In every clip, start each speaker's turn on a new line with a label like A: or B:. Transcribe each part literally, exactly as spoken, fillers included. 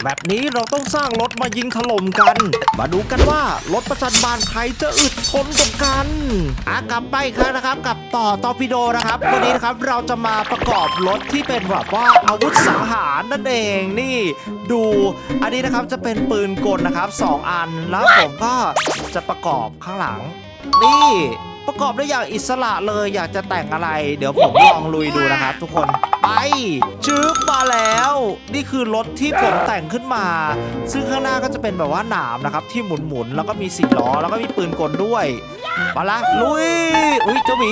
A: แบบนี้เราต้องสร้างรถมายิงถล่มกัน มาดูกันว่ารถประจันบานใครจะอึดทนกว่ากันอ่ะกลับไปอีกครั้งนะครับกับต่อตอร์ปิโดนะครับวันนี้นะครับเราจะมาประกอบรถที่เป็นแบบว่าอาวุธสังหารนั่นเองนี่ดูอันนี้นะครับจะเป็นปืนกลนะครับสองอันแล้วผมก็จะประกอบข้างหลังนี่ประกอบได้อย่างอิสระเลยอยากจะแต่งอะไรเดี๋ยวผมลองลุยดูนะครับทุกคนไปจึ๊บมาแล้วนี่คือรถที่ผมแต่งขึ้นมาซึ่งข้างหน้าก็จะเป็นแบบว่าหนามนะครับที่หมุนๆแล้วก็มีสี่ล้อแล้วก็มีปืนกลด้วยมาละลุยอุ้ยเจ้าหมี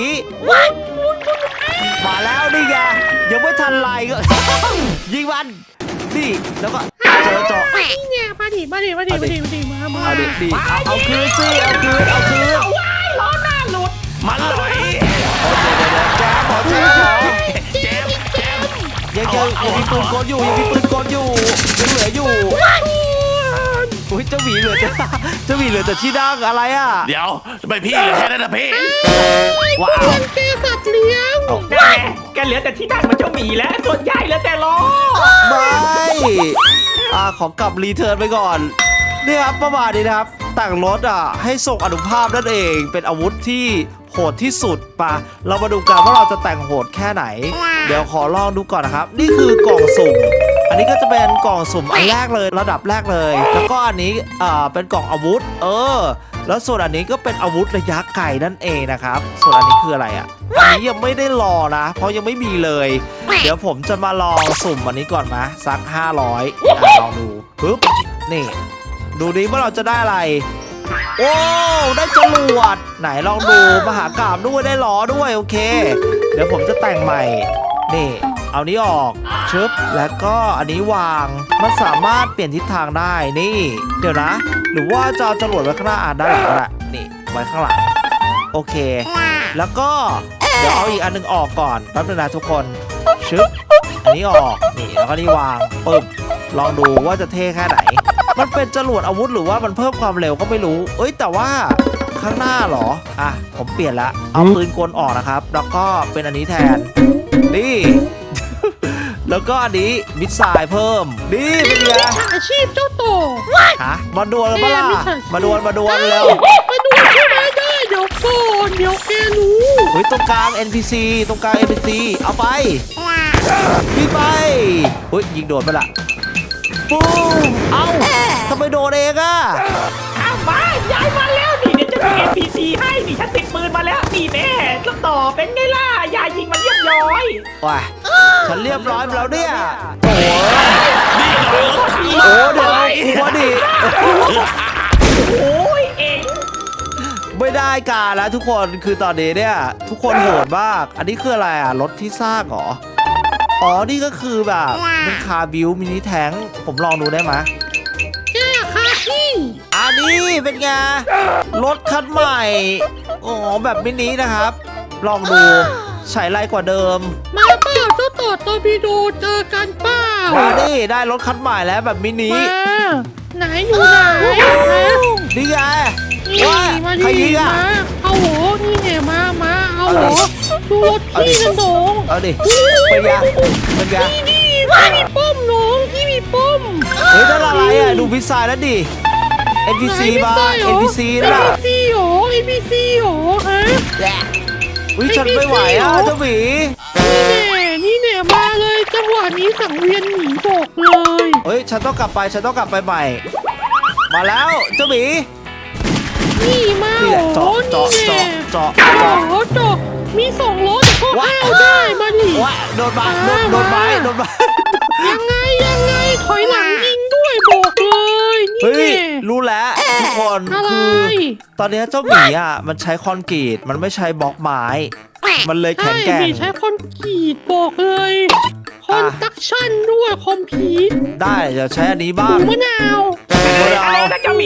A: มาแล้วนี่ไงยังไม่ทันไรก็ ยิงมันนี่แล้วก็เจอเจาะ
B: นี่เนี่ยมาดิมาดิมาดิมาดิมาดิมามา
A: เอาดิดิเอาเอาคืนสิเอาคืนเอาคืน
B: ว้ายล้อหน้าหลุด
C: มันไหล
A: โอ้เดี๋ยวเดี๋ยวแจ๊บขอแจ๊บขอ
C: เจมเจม
A: ยังยังยังมีปืนกลอยู่ยังมีปืนกลอยู่ยังเหลืออยู่อุ้ยเจ้าหมีเหลือจะเจ้าหมีเหลือแต่ที่ดังอะไรอ่ะ
C: เดี๋ยวทำไมพี่เหลือแค่นั้นนะพี่
A: ว้าว
B: เป็นเกสัตว์เลี้ยง
D: แกแกเหลือแต่ที่ดังมันเจ้าหมีแล้วส่วนใหญ่เหลือแต่ล้อ
A: ไม่อ่าขอกลับรีเทิร์นไปก่อนนี่ครับประมาณนี้นะครับแต่งรถอ่ะให้ส่งอนุภาพนั่นเองเป็นอาวุธที่โหดที่สุดปะเรามาดูกันว่าเราจะแต่งโหดแค่ไหน เดี๋ยวขอลองดูก่อนนะครับนี่คือกล่องสุ่มอันนี้ก็จะเป็นกล่องสุ่มอันแรกเลยระดับแรกเลย แล้วก็อันนี้อ่าเป็นกล่องอาวุธ เออ แล้วส่วนอันนี้ก็เป็นอาวุธระยะไกลนั่นเองนะครับส่วนอันนี้คืออะไรอ่ะอันนี้ยังไม่ได้รอนะ เพราะยังไม่มีเลย เดี๋ยวผมจะมาลองสุ่มอันนี้ก่อนมาสักห้าร้อยอ่ะลองดูปึ๊บนี่ดูดิว่าเราจะได้อะไรโอ้ได้จรวดไหนลองดูมหากาพย์ด้วยได้ล้อด้วยโอเค เดี๋ยวผมจะแต่งใหม่นี่เอานี้ออกชึบแล้วก็อันนี้วางมันสามารถเปลี่ยนทิศทางได้นี่เดี๋ยวนะ หรือว่าจะเอาจรวดไว้ข้างหน้าอ่านได้หรือเปล่านี่ไว้ข้างหลังโอเค แล้วก็เดี๋ยวเอาอีกอันนึงออกก่อนแป๊บนึงนะทุกคนชึบอันนี้ออกนี่แล้วก็นี่วางปึ๊บลองดูว่าจะเท่แค่ไหนมันเป็นจรวดอาวุธหรือว่ามันเพิ่มความเร็วก็ไม่รู้เอ้ยแต่ว่าข้างหน้าเหรออ่ะผมเปลี่ยนละเอาปืนกลออกนะครับแล้วก็เป็นอันนี้แทนนี่ แล้วก็อันนี้มิสไซล์เพิ่มนี่เป็นไง
B: อาชีพเจ้าโต
A: ฮะมาดวลกันปะล่ะมาดวลมาดวลเร็ว
B: มาดูใช่ไหมได้เดี๋ยวก่อนเดี๋ยวแกรู้
A: เฮ้ยตรงกลาง เอ็น พี ซี ตรงกลาง เอ็น พี ซี เอาไปพี่ไปเฮ้ยยิงโดนไปละปุ้มเอ้าทำไมโดนเองอะ
D: อ้าวมาย้ายมาแล้วนี่เดี๋ยวจะมี เอ็น พี ซี ให้นี่ฉันติดปืนมาแล้วนี่แน่แล้วต่อเป็นไงล่ะยายยิงมันเรียบร้อย
A: ว้าฉันเรียบร้อยไปแล้วเนี่ยโอ้โห
C: นี่โดนรถขับ
A: โอ้เดี๋ยวหัวดิ
D: โอ้ยเอง
A: ไม่ได้การแล้วทุกคนคือตอนนี้เนี่ยทุกคนโหดมากอันนี้คืออะไรอ่ะรถที่สร้างเหรออ๋อนี่ก็คือแบบเป็นคาร์บิวมินิแทงผมลองดูได้ไหม
B: แกคาที่
A: อันนี้เป็นไงรถคันใหม่อ๋อแบบมินินะครับ ลองดูใช้ไรกว่าเดิม
B: มาเปล่าเจ้าต่อตอร์ปิโดเจอกันเปล่า
A: มาดิได้รถคันใหม่แล้วแบบมินิ
B: มาไหนอยู่ไหนฮะ
A: นี่ไง
B: นี่
A: ว่า
B: มา
A: ใคร
B: ดิ
A: ยิงอ่ะ
B: มาเอาโหนี่ไงมามาเอาโหดูรถ
A: เอาดิ
B: พี่กันน้อง
A: เอาดิเป็นไงเป็นไง
B: นี่นี่พี่มีป้อมน้องพี่มีป้อม
A: เฮ้ยนั่นอะไรอ่ะดูพิซซ่าแล้วดิ เอ็น พี ซี มา เอ็น พี ซี
B: เอ็น
A: น่ะ
B: พีซีหรอเอ็นพีซีหรอฮะ
A: วิฉันไม่ไหวอ่ะเจ้าหมี
B: นี่แน่นี่แน่มาเลยจังหวะนี้สังเวียนหนีบอกเลย
A: เฮ้ยฉันต้องกลับไปฉันต้องกลับไปใหม่ มาแล้วเจ้าหมี
B: นี่มา
A: นี่แหละ
B: โอ้
A: เจาะ
B: นี่
A: เจาะ
B: แน่
A: เจาะ
B: โอ้
A: เจาะ
B: โหจบมีสองรถก็
A: ว้า
B: เข้าได้มาดิ
A: ว้าโดนไม้โดนโดนไม้โดนไม้
B: ยังไงยังไงถอยหลังยิงด้วยบอกเลยนี่
A: เฮ้ย
B: แน่
A: รู้แล้วทุกคน
B: อะไร
A: คือตอนนี้เจ้าหมีอ่ะมันใช้คอนกรีตมันไม่ใช้บล็อกไม้ มันเลยแข็งแกร่
B: ใช่
A: ง
B: ใช้คอนกรีตบอกเลยคอนตักชั่นด้วยคอมพิว
A: ได้เดี๋ยวใช้อันนี้
B: ห
A: บ้า
B: มู
A: ง
B: มะนาว
A: มะนา
D: อะไร
A: ว
D: นะเจ้าหมี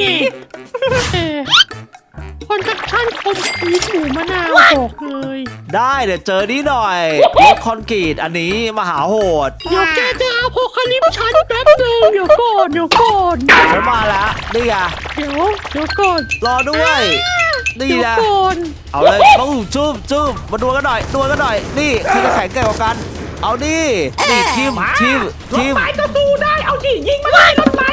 B: คอนตักชั่นคอมพิวหมูมะนาวบอกเลย
A: ได้เดี๋ยวเจอนี่หน่อยรถคอนกรีตอันนี้มหาโหด
B: เดี๋ยวแกจะเอาโพคาลิปชันแป๊บเดียวเดี๋ยวก่อนเดี๋ยวก่อน
A: ฉันมาแล้วนี่ไง
B: เดี๋ยวเดี๋ยวก่อน
A: รอด้วยนี่
B: เดี๋ยว
A: นะ
B: ก่อน
A: เอาเลยตู้จุ๊บจุ๊บมาดวลกันหน่อยดวลกันหน่อยนี่ใครจะแข็งแกร่งกว่ากัน เอาดินี่ทีมทีม
D: รถ
A: ทีม
D: ไม้ก็สู้ได้เอาดิยิงมาเลยรถไม้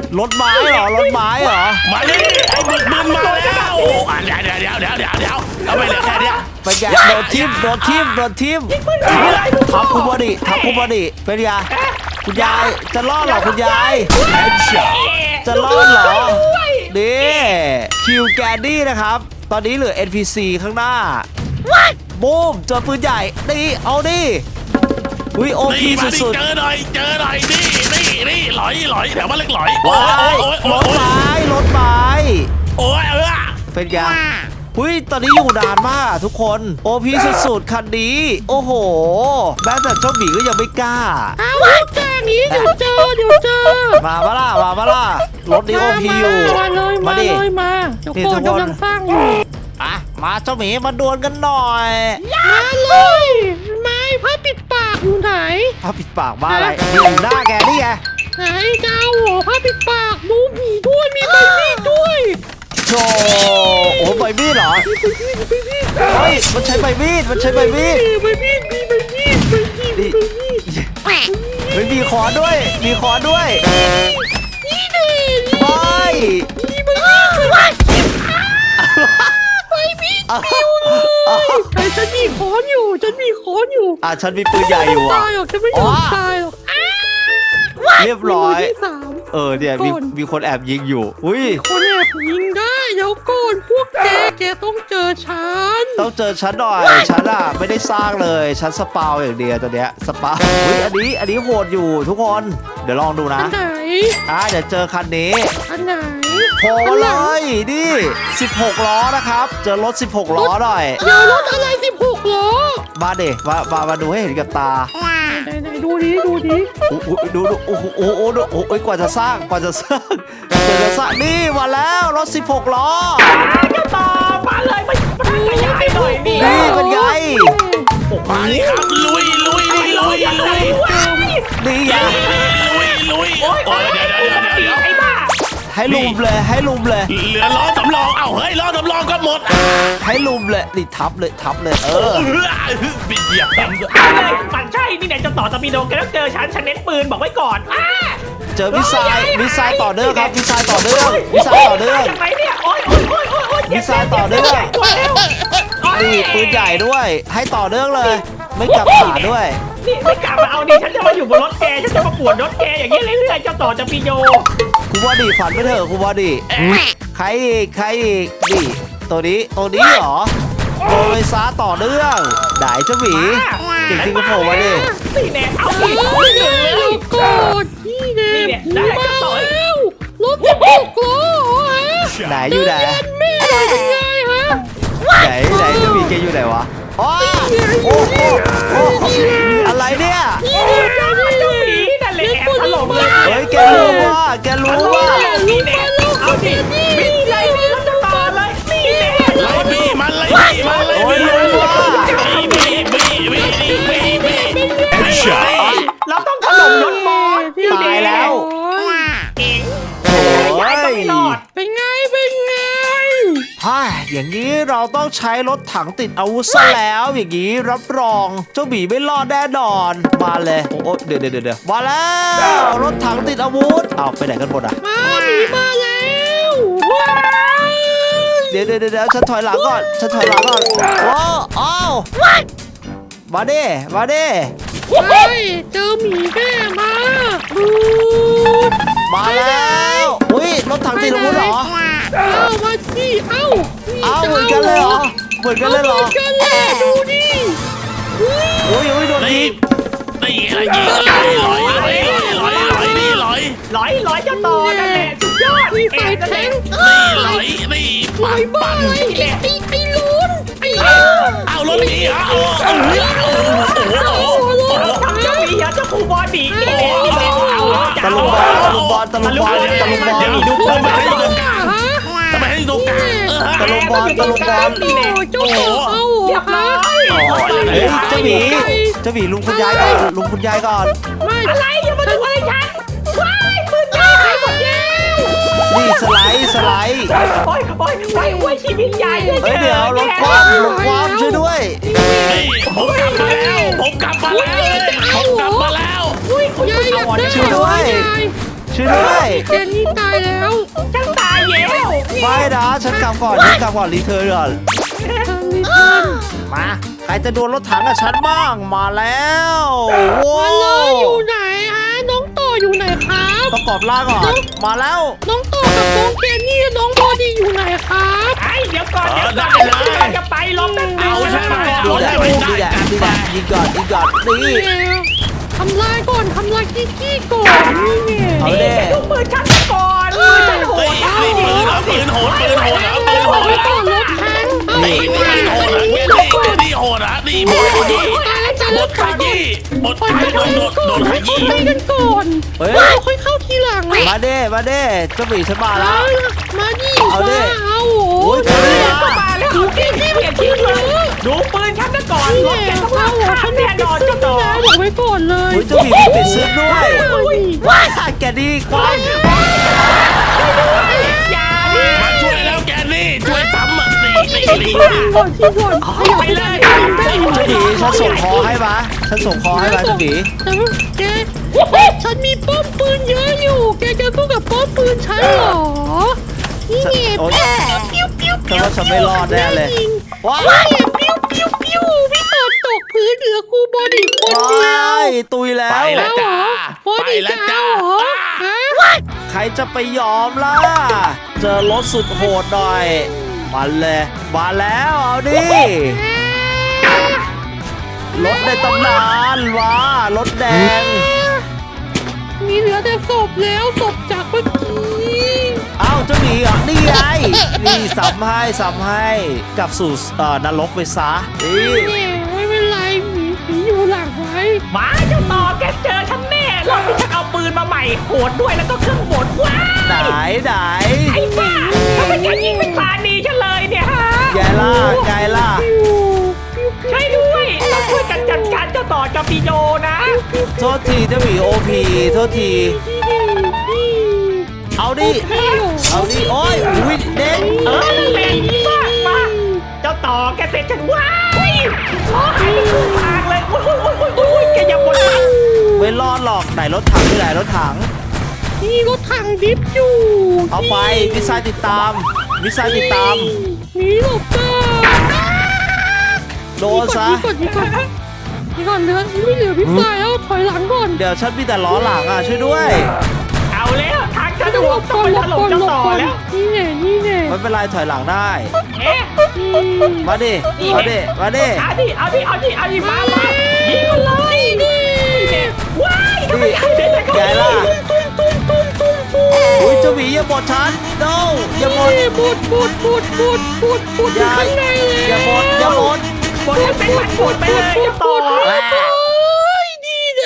A: รถไม้เหรอรถไม้เหรอ
C: มาดิไอ้บึกบึนมาแล้วอ่ะเดี๋ยวเดี๋ยวเดี๋ยวเดี๋ยวเดี๋ยวเดี๋ยวทำไมเหลือแค่เนี้ย
A: ไปแกโดนทิมโดนทิมโดนทิมทับคุณบอดีทับคุณบอดีเป็นไงคุณยายจะรอดเหรอคุณยายจะรอดเหรอนี่คิวแกนดี้นะครับ ตอนนี้เหลือ เอ็น พี ซี ข้างหน้าบูมเจอปืนใหญ่นี่เอาดิอุ้ยโอพี
C: นี่มาดิ
A: สุด
C: เจอหน่อยเจอหน่อยนี่นี่นี่หลอยหลอยแถวบ้านเล็กหลอย
A: ๆ
C: โอ้
A: ว้าย
C: โอ้ย
A: ร
C: โอ้ย
A: ถ
C: โอ้ย
A: ไม้รถไม้
C: โอ้ยเออ
A: เป็นไงอุ้ยตอนนี้อยู่นานมากทุกคนโอพีสุดๆคันนี้โอ้โหแม้แต่เจ้าหมีก็ยังไม่กล้า
B: เอาแค่นี้เดี๋ยวเจอเดี๋ยวเจอ
A: มาปะล่ะมาปะล่ะรถนี้โอพีอยู่
B: มาเลยมา
A: ดิ
B: เลยมาเดี๋ยว
A: นี่
B: ก่
A: ทุ
B: อน
A: กคน
B: กำลังสร้างอยู่
A: อ่ะมาเจ้าหมีมาดวลกันหน่อย
B: มาเลยไม้ผ้าปิดปากอยู่ไหน
A: ผ้าปิดปากบ้าอะไรนี่อยู่หน้าแกนี่ไง
B: ไหนเจ้าหัวผ้าปิดปากดูผีด้วยมีใบมีดด้วย
A: โชว์โอ้ใบมีดเหรอเฮ้ยมันใช้ใบมีดมันใช้ใบมีด
B: ใบมีดมีใบมีดใบมีด
A: นี่
B: ใบมีด
A: เฮ้ยมีคอด้วย มีคอด้วย
B: นี่ดิ
A: ไป
B: มีใบมีดเลยใบมีดปิวเลยไอ้ฉันมีค้อนอยู่ฉันมีค้อนอยู่
A: อ่ะฉันมีปืนใหญ่อยู่อ่ะ
B: ตายหรอกฉันไม่ยอมตายหรอก
A: เรียบร้อย
B: มืที่สาม
A: เออเนี่ยมี
B: ก่อน
A: มีคนแอบยิงอยู่อุ้ย
B: คนแอบยิงได้เดี๋ยวก่อนพวกแกแกต้องเจอฉัน
A: ต้องเจอฉันหน่อยฉันอ่ะไม่ได้สร้างเลยฉันสปาวอย่างเดียวตัวเนี้ยสปาวอุ้ยอันนี้อันนี้โหดอยู่ทุกคนเดี๋ยวลองดูนะ
B: อันไหน
A: อ่ะเดี๋ยวเจอคันนี้
B: อันไหน
A: โผล่มาเลยนี่สิบหกล้อนะครับ เจอรถสิบหกล้อหน่อย
B: เดี๋ยวรถอะไรสิบหกล้อ
A: มาเด็มามามาดูให้เห็นกับตา
B: ไหนไหนดูดิดูดิ
A: โอ้โหดูดูโอ้โหโอ้โหดูโอ้โหกว่าจะสร้างกว่าจะสร้างกว่าจะสร้างนี่มาแล้วรถสิบหกล้อ
D: เจ้าต่อมาเลยมามาขยายหน่อยนี่
A: นี่เป็นไง
C: มาดิครับลุยลุยลุยลุยลุย
A: นี่ไง
C: ลุยลุย
D: โอ้ย
C: โอ้ยเดี๋ยวเดี๋ยวเดี๋ยวเดี๋ยว
D: ไอ้บ้า
A: ให้ลุมเลยให้ลุมเลย
C: เหลือล้อสำรองเอ้าเฮ้ยล้อสำรองก็หมด
A: ให้ลุมเลยนี่ทับเลยทับเลยเออ
C: เออบิดเหยียบเต็ม
D: เลยมันใช่นี่เนี่ยเจ้าต่อตะมีโดแกต้องเจอฉันฉันเน้นปืนบอกไว้ก่อนอ่า
A: เจอมิสไซล์มิสไซล์ต่อเนื่องครับมิสไซล์ต่อเนื่องมิสไซล์ต่อเนื่อง
D: ยังไงเนี่ยโอ้ยโอ้ยโอ้ยโอ้ยโอ้ย
A: มิสไซล์ต่อเนื่อง นี่ปืนใหญ่ด้วย ให้ต่อเนื่องเลย ไม่กลับขาด้วย
D: นี่ไม่กลับมาเอาดิฉันจะมาอยู่บนรถแกฉันจะมาปวดรถแกอย่างนี้เรื่อยๆเจ้าต่อจะมีโย
A: คุณบอดี้ฝันไปเถอะคุณบอดี้ใครอีกใครอีกนี่ตัวนี้ตัวนี้เหรอโดนไปซาต่อเนื่องได้เจ้าหมีจริงๆก็โผล่มาดิ
D: สี่แนมเอา
B: เฮ้
D: ดิ
B: ย
D: เอาดิ
B: เดี๋ยว
D: เลย
B: เดี๋ยวก่อนนี่แน่
D: นี่เนี่ย
B: ผี
D: ได้
B: มา
D: จะต่อย
B: แล้วรถสิบหกล้อเหรอฮะ
A: ไหนอยู่ไหน
B: แม่หน่อยเป็นไงฮะ
A: ไหนไหนเจ้าหมีแกอยู่ไหนวะอ๋อโอ้โหโอ้โหอะไรเนี่ย
B: นี่แน่เจ้าห
D: เจ้า
B: มี
D: หมีนั่นแหละแอบถล่มเลย
A: เฮ้ยแกรู้ว่าแกรู้ว่า
D: นี่แน่เอาดิบินเลยบินแล้วจะต่อเลยนี่แน่
C: ไล่บี้มันไล่บี้มันไล่
A: โอ้ย
C: บี้
A: รู้ว่า
C: บี้บี้บี้บี้บี้บี้บี้
D: เราต้องถล่มรถบอส
A: ตายแล้ว
D: เก่ง
A: โอ้
D: ยาย
A: ย
D: ก็ไม่รอด
B: เป็นไงเป็นไง
A: ฮ่าอย่างนี้เราต้องใช้รถถังติดอาวุธซะแล้วอย่างนี้รับรองเจ้าหมีไม่รอดแน่นอนมาเลยโอ้เดี๋ยวเดี๋ยวเดี๋ยวมาแล้วรถถังติดอาวุธเอาไปไหนกันหมดอ่ะ
B: มาหมีมาแล้วว้าว
A: เดี๋ยวเดี๋ยวเดี๋ยวฉันถอยหลังก่อนฉันถอยหลังก่อนว้าวอ้าวมาดิมาดิ
B: เฮ้ยเจอหมีแม่มาดูด
A: มาแล้วอุ้ยรถถังติดอาวุธเหรอ
B: เอามาสิเอ้า
A: เอาเหมือนกันเลยเหรอเหมือนกันเลยเหรอ
B: เหมือนกันเลยดูดิอุ้ย
A: อุ้ยอุ้ยโดน
C: นี่
A: ยิง
C: นี่อะไรยิงลอยลอยลอยลอยลอยนี่ลอย
D: ร้อยร้อยเจ้าต่อนั่นแหละสุดยอด
B: มีไฟ
D: เอ็นนั่น
B: แท
D: แหละ
B: ง
C: นี่ลอยนี่
B: ไฟบ้าอะไรไอ้ไอ้ไอ้ลุ้นไอ้ลุ้น
C: เอารถหนีอ่ะโอ้โห
B: โอ้โห
D: ทำเจ้าหมีเหรอเจ้าครูบอดีนี่แหละนี่แหละเอา
A: ตะลุมบอลตะลุมบอลตะลุมบอลตะลุมบอล
C: เดี๋ยวดู
B: ทำ
C: ทำ
B: ไม
C: ไม
B: ให้
C: ให้
B: อ
C: อยู่ ยู่
B: ต
C: ต
B: ร
C: รง ง
B: ก
C: ก
B: ลา
C: ลาง งทำไมให้อยู่ตรงกลางเออ
A: ตะลุมบอลตะลุมบอล
D: นี่แหละ
B: เจ้าต่อเอา
D: เรียบร้อย
A: เฮ้ยเจ้าหมีเจ้าหมีลุงคุณยายก่อนลุงคุณยายก่อน
B: ไม่
D: อะไรอย่ามาดูอะไรฉันว้ายปืนใหญ่หายหมดแล้ว
A: นี่สไลด์สไลด์
D: โอ้ยโอ้ยโอ้ยโอ้ยชีวิตใหญ่เลย
A: เฮ้ยเดี๋ยวรถคว่ำรถคว่ำช่วยด้วย
C: นี่ผมกลับมาแล้วผมกลับมาแล้วผมกลับมาแล้ว
D: อุ้ยคุณ
B: ยายอยาก
D: เอา
B: ได้
A: ช่วยด้วย
B: ยาย
A: ชช่วยด้วย
B: เจนนี่ตายแล้ว
D: ฉันตายแล้ว
A: ไม่นะฉันกลับก่อนฉันกลับก่อนรีเทิร์นก่อน
B: ทำนี่ทัน
A: มาใครจะโดนรถถังกับฉันบ้างมาแล้วว้า
B: มาเล
A: วย
B: อยู่ไหนฮะน้องต่ออยู่ไหนครับ
A: ประกอบร่างก่อนมาแล้ว
B: น้องต่อกับน้องเจนนี่น้องบอดี้อยู่ไหนครับ
D: ไอ้เดี๋ยวก่อนเดี๋ยวก่อนเราจะไปลบแป๊บนึง
C: เอาใช่ไหม
A: ดู
C: เอา
A: แล
C: ใช่ไหม
A: ดูแล
C: ได้
A: ดูแลยิงก่อนยิงก่อนนี่
B: ทำลายก่อนทำลายกี้กี้ก่อนนี่ไง
A: เอาเด้
D: ดูปืนฉันก่อนปืนฉันโห
C: เฮ้ย
D: ด
C: นี่ปืนเหรอปืนโหดปืนโหดเหรอปืนโหด
B: ไป
C: เหร
B: ก่
C: อ
B: อนรถแทงเอา
C: นี่
B: ไป
C: ปืนโหดเหรอแกนี่แกนี่โหดเหรอนี่บดขยี้
B: ตายแล้วจะ
C: บ
B: เลิ
C: ด
B: ก
C: ข
B: ก่อน
C: ยี้บด
B: ปล่อย
C: ข
B: ไป
C: ยี้
B: ก่อน
C: โดนโดนขยี้
B: ไปกันก่อน
A: เฮ้ย
B: เราค่อยเข้าทีหลัง
A: มาเด้มาเด้เจ้าหมีฉันมาแล้
B: เอา
A: ว
B: ล่ะมาดิ
A: เอาดิ
B: มาเอา
A: โอ้ย
B: โอ้
A: เจอดิ
D: เข้ามาแล้วเอาที่ที่เปลี่ยนที่เลยดูปืนฉันก่อน
B: นี่
D: รถ
B: แห
D: แก
B: ละ
D: ต้อง
B: เอา
D: รับ
B: หัว
D: ข้า
B: ฉั
D: ม
B: น
D: แน่นอน
B: ขึ้
D: เจ้าน ต่อ
B: นะบอกไว้ก่อนเลย
A: โอ้ยเจ้าหมีมีปิดซึกด้วยว้าแกดีควัน
D: อย่าดิ
C: มาช่วยแล้วแกนี่ช่วยซ้ำอ่ะนี่นี่
B: ที่
C: นี่
B: ก่อนก่อนที่ก่อนขยับ
D: ไป
B: ไป
D: เล
B: เลย
D: ย
B: ได้อยู่
A: เจ้าหมีฉันส่งคอให้มาฉันส่งคอให้มาเจ้าหมี
B: แต่ว่าแกฉันมีป้อมปืนเยอะอยู่ แกจะสู้กับป้อมปืนฉันเหรอ นี่ไง
A: โอ๊ย
B: ปิ้วปิ้ว
A: แต่
B: ปิ้ว
A: ว่าฉันไม่รอดแน่เลย ว้า
B: ว้าย ยปิ้วปิ้วปิ้วพี่ต่อตกพื้นเหลือครูบอดี้คนเดียว
A: ว้ายตุยแล้
C: ไป
A: ว
C: แล้วจ้า
B: บอ
C: ไป
B: ดี้
C: แล้ว
B: จะ
C: จ้า
B: เอาเหรอฮะ
A: ใครจะไปยอมล่ะ เจอรถสุดโหดหน่อยมาเลยมาแล้วเอาดิรถในตำนานว้ารถแดง
B: มีเหลือแต่ศพแล้วศพจากเมื่อกี้
A: เอ้าเจ้าหมีเหรอนี่ไงนี่สัมให้สัมให้กลับสู่เอ่อนรกไปซะนี่
B: เนี่ยไม่เป็นไรหมีหมีอยู่หลังไว้
D: มาเจ้าต่อแกเจอฉันแน่รอบที่ฉันเอาปืนมาใหม่โหดด้วยแล้วก็เครื่องบดว้า
A: ไหน
D: ย
A: ไหน
D: ไอ้บ้าทำไมแกยิงเป็นปานีฉันเลยเนี่ยฮะ
A: ไงล่ะไงล่ะ
B: ปิ้วปิ้วปิ้ว
D: ใช่ด้วยต้องช่วยกันจัดการเจ้าต่อกับปีโยนะ
A: โทษทีเจ้าหมีโอพีโทษที
B: นี่
A: เอาดิ
B: นี่
A: เอาดิโอ้ยอุ้ยเด็ก
D: เออนั่นแหละมากมาเจ้าต่อแกเสร็จฉันว้ายขอหายไปครึ่งทางเลยโอ้ยโอ้ยโอ้ยโอ้ยแกอย่าบ่นนะ
A: ไม่รอดหรอกไหนรถถังที่ไหนรถถัง
B: นี่รถถังดิฟอยู่
A: เอาไปมิสไซล์ติดตามมิสไซล์ติดตาม
B: หนีหลบก่อน
A: โดนซะ
B: นี่ก่อนนี่ก่อนนี่ก่อนเหลือไม่เหลือพี่สายแล้วถอยหลังก่อน
A: เดี๋ยวฉันมีแต่ล้อหลังอ่ะช่วยด้วย
D: เอาแล้วทางฉัน
B: หล
D: หัว
B: บ
D: ต้
B: ก่
D: อง
B: อน
D: ไป
B: หล
D: ถ
B: บ
D: ล่ม
B: ก่อนหลบ
D: เจ้าต่อ
B: ก่อน
D: แล้ว
B: นี่ไงนี่ไง
A: ไม่เป็นไรถอยหลังได้
D: เอ๊ะ
A: มาดิมาดิมาดิ
D: เอาดิเอาดิเอาดิเอาดิมามายิงมันเลยนี่ว้ายทำไมใหญ่เด็ด
A: ไงล่ะ
B: ตุ้มตุ้มตุ้มตุ้มตุ้ม
A: อุ้ยเจ้าหมีอย่าบดฉัน no อย่าบด
B: นี่บุดบุดบุดบุดบุดบุดอยู่ข้างในเลย
A: อย่าบดอย่าบด
D: บนให้เป็นมันบดไปเลยเจ้าต่อ
B: โอ้ยดีเลย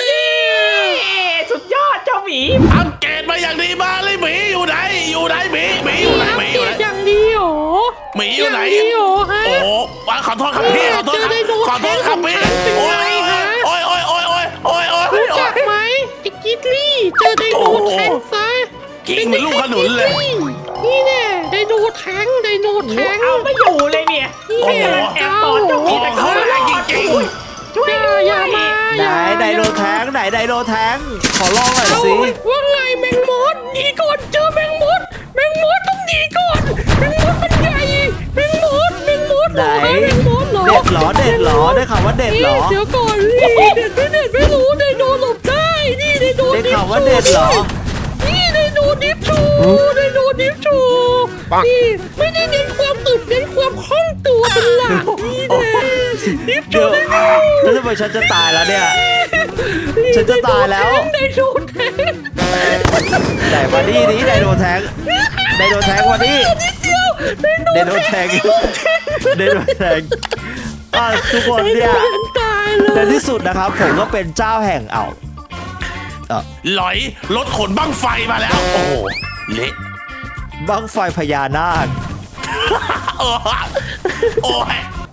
D: สุดยอดเจ้าหมี
C: อังเกตมาอย่างดีมาเลยหมีอยู่ไหนอยู่ไหนหมีหมีอยู่ไหนหมีอยู่ไหน
B: อย่างดีเหรอ
C: หมีอยู่ไหน
B: างดีเหรอฮะ
C: โอ้โหขอโทษครับพี่ขอโทษครับขอโทษครับพี่โอ้ยโอ้ยโอ้ยโอ้ยโอ้ยโอ้ยโอ้ยโอ้ย
B: รู้
C: โอ้
B: จั
C: ย
B: กไหมไอ้กิตลี่เจอไดโนแทงซะ
C: กิ้งเหมือนลูกขนุนเลย
B: นี่แน่ไดโนแทงไดโนแทง
D: เอาไม่อยู่เลยเนี่ย
C: โอ้โห
D: แอบตอดเจ้าหมีแต่เขาไม่จริงๆช่วย
B: อย่า
D: ด้วย
B: อย่ามา
A: ไหน
B: อย่า
A: ไดโนแทงไหนไดโนแทงขอลองหน่อย
B: เอา
A: สิ
B: ว่าไงแมงมดหนีก่อนเจอแมงมดแมงมดต้องหนีก่อนแมงมดมันใหญ่แมงมดแมงมด
A: ไหน
B: แมงมดเหรอ
A: เด็ดเหรอเด็ดเหรอได้ข่าวว่าเด็ดเหรอ
B: เดี๋ยวก่อนนี่เด็ดไม่เด็ดไม่รู้ไดโนหลบได้นี่ไดโน
A: ได้
B: ดิฟ
A: ข่าวว่าเด็ดเหรอ
B: นี่ไดโนดิฟชูไดโนดิฟชูนี่ไม่ได้เน้นความอึดเน้นความคล่องตัวเป็นหลักนี่แน่ดิฟชู
A: เดี๋ยว
B: ไดโน
A: แล้วทำไมฉันจะตายแล้วเนี่ย ฉันจะตายแล้ว
B: ไดโนแทง
A: ไหนมาดินี้ไดโนแทงไดโนแทงมาดิ
B: นิดเดียวไดโน
A: ไดโนแทงไดโนแทงอ่ะทุกคนเนี่ย
B: ตายเล
A: ใน
B: ย
A: ที่สุดนะครับ ผมก็เป็นเจ้าแห่งอ่าวเอ่อ
C: หลอยรถขนบั้งไฟมาแล้ว โอ้โหเละ
A: บั้งไฟพญานาค
C: โอ้ยโอ้ย